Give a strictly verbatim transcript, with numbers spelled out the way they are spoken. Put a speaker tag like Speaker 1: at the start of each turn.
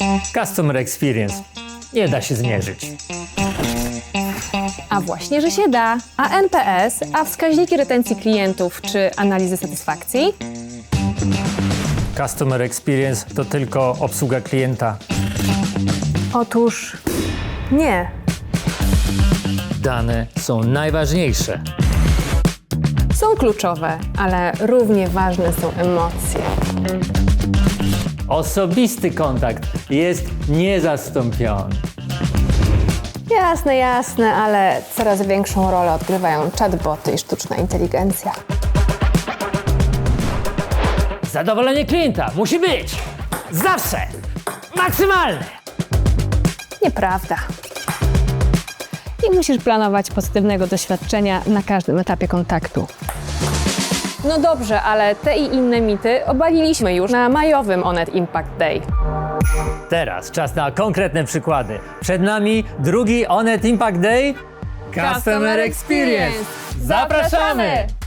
Speaker 1: Customer Experience nie da się zmierzyć.
Speaker 2: A właśnie, że się da. A N P S, a wskaźniki retencji klientów czy analizy satysfakcji?
Speaker 1: Customer Experience to tylko obsługa klienta.
Speaker 2: Otóż nie.
Speaker 1: Dane są najważniejsze.
Speaker 2: Są kluczowe, ale równie ważne są emocje.
Speaker 1: Osobisty kontakt jest niezastąpiony.
Speaker 2: Jasne, jasne, ale coraz większą rolę odgrywają chatboty i sztuczna inteligencja.
Speaker 1: Zadowolenie klienta musi być zawsze maksymalne.
Speaker 2: Nieprawda. I musisz planować pozytywnego doświadczenia na każdym etapie kontaktu. No dobrze, ale te i inne mity obaliliśmy już na majowym Onet Impact Day.
Speaker 1: Teraz czas na konkretne przykłady. Przed nami drugi Onet Impact Day. Customer Experience. Zapraszamy!